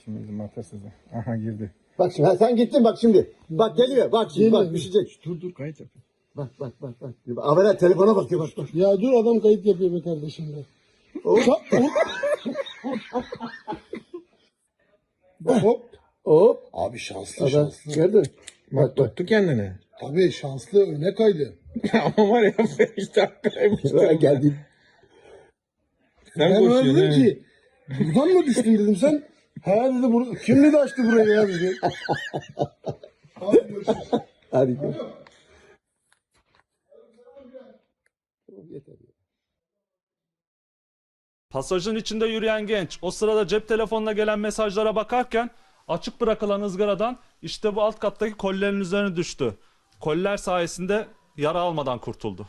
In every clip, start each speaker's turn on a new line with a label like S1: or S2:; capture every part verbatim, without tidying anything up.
S1: Şimdi bizim atasözü. Aha girdi.
S2: Bak şimdi ha, sen gittin bak şimdi. Bak geliyor bak şimdi bak düşecek.
S1: Dur dur kayıt yap.
S2: Bak bak bak bak. Avera telefona bakıyor bak bak.
S3: Ya dur adam kayıt yapıyor be kardeşim be.
S2: Hop
S3: Hop.
S2: hop.
S3: Abi şanslı
S2: Adam
S3: şanslı.
S2: gördün mü?
S1: Bak
S2: Bak bak.
S1: tuttu kendini.
S3: Tabii şanslı öne kaydı.
S1: Ama var ya beş dakikaymış.
S2: Bak geldi.
S1: Sen
S3: Ben ona
S1: koşuyorsun
S3: dedim
S1: he.
S3: ki buradan mı düştün dedim sen. Ha dedi bur kim dedi açtı burayı ya dedi. Abi görüşürüz.
S2: Hadi gel. Yeter.
S4: Pasajın içinde yürüyen genç o sırada cep telefonuna gelen mesajlara bakarken açık bırakılan ızgaradan işte bu alt kattaki kolilerin üzerine düştü. Koliler sayesinde yara almadan kurtuldu.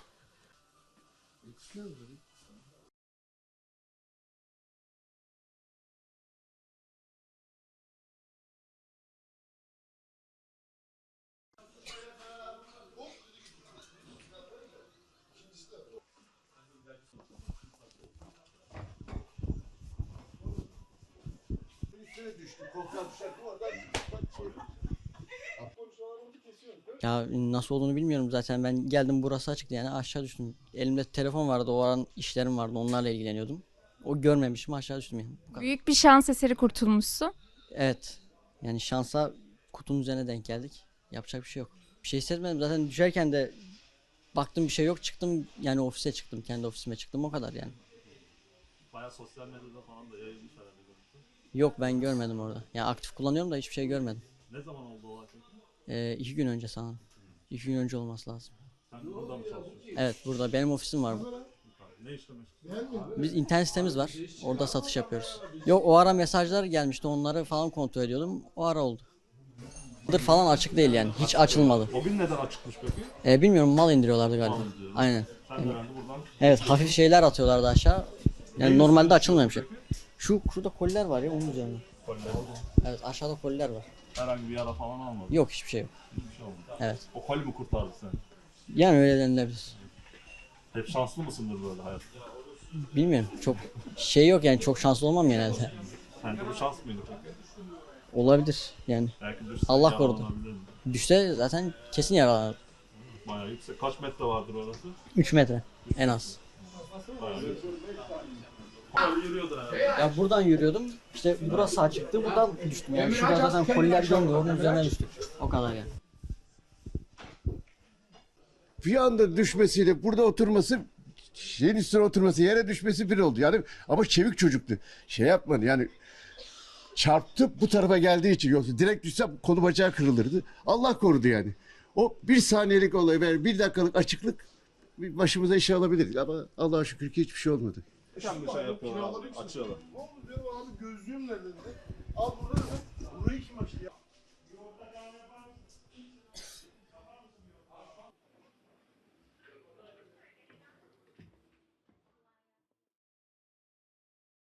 S5: Ya nasıl olduğunu bilmiyorum zaten. Ben geldim burası açıktı yani aşağı düştüm. Elimde telefon vardı, o an işlerim vardı, onlarla ilgileniyordum. O görmemişim, aşağı düştüm yani. Bu kadar.
S6: Büyük bir şans eseri kurtulmuşsun.
S5: Evet. Yani şansa kutunun üzerine denk geldik. Yapacak bir şey yok. Bir şey hissetmedim zaten, düşerken de baktım bir şey yok, çıktım yani ofise çıktım. Kendi ofisime çıktım, o kadar yani.
S4: Bayağı sosyal medyada falan da yayılmış herhalde.
S5: Yok, ben görmedim orada. Yani aktif kullanıyorum da hiçbir şey görmedim.
S4: Ne zaman oldu o akşam?
S5: Ee, iki gün önce sanırım. İki gün önce olması lazım.
S4: Sen burada mı çalışıyorsun?
S5: Evet, burada benim ofisim var.
S4: Ne işle meşgulsün?
S5: Biz internet sitemiz var. Orada satış yapıyoruz. Yok, o ara mesajlar gelmişti. Onları falan kontrol ediyordum. O ara oldu. Dır falan açık değil yani. Hiç açılmadı.
S4: O gün neden açıkmış peki?
S5: Ee, bilmiyorum, mal indiriyorlardı galiba. Aynen.
S4: Sen de herhalde buradan
S5: Evet, hafif şeyler atıyorlardı aşağı. Yani normalde açılmıyormuş. Şu şurada koliler var ya, onun üzerine.
S4: koliler.
S5: Evet, aşağıda koliler var.
S4: Herhangi bir yara falan almadın.
S5: Yok, hiçbir şey yok.
S4: Hiçbir şey olmadı.
S5: Evet.
S4: O koli mi kurtardı seni?
S5: Yani öyle denilebilir.
S4: Hep şanslı mısındır böyle hayatta?
S5: Bilmiyorum. Çok şey yok yani, çok şanslı olmam genelde.
S4: Sence bu şans mıydı peki?
S5: Olabilir yani.
S4: Belki düşse
S5: Allah korudu.
S4: yaralanabilirdin.
S5: Düşse zaten kesin yaralanır.
S4: Bayağı yüksek. Kaç metre vardır orası?
S5: üç metre en az.
S4: Bayağı yüksek. Bayağı yürüyordun herhalde.
S5: Ya buradan yürüyordum. İşte burası açıktı. Buradan düştüm. Yani şurada zaten koliler görmüyor. Onun üzerine düştük. O kadar yani.
S2: Bir anda düşmesiyle burada oturması, şeyin üstüne oturması, yere düşmesi bir oldu. Yani ama çevik çocuktu. Şey yapmadı yani, çarptı bu tarafa geldiği için, yoksa direkt düşse kolu bacağı kırılırdı. Allah korudu yani. O bir saniyelik olay ve bir dakikalık açıklık bir başımıza iş alabilir. Ama Allah'a şükür ki hiçbir şey olmadı.
S4: Sen bir şey yapıyorlar abi. Açıyorlar.
S3: Ne oldu diyorum abi gözlüğüm nerede dedi. Al burada dedim. Burayı kim açtı ya?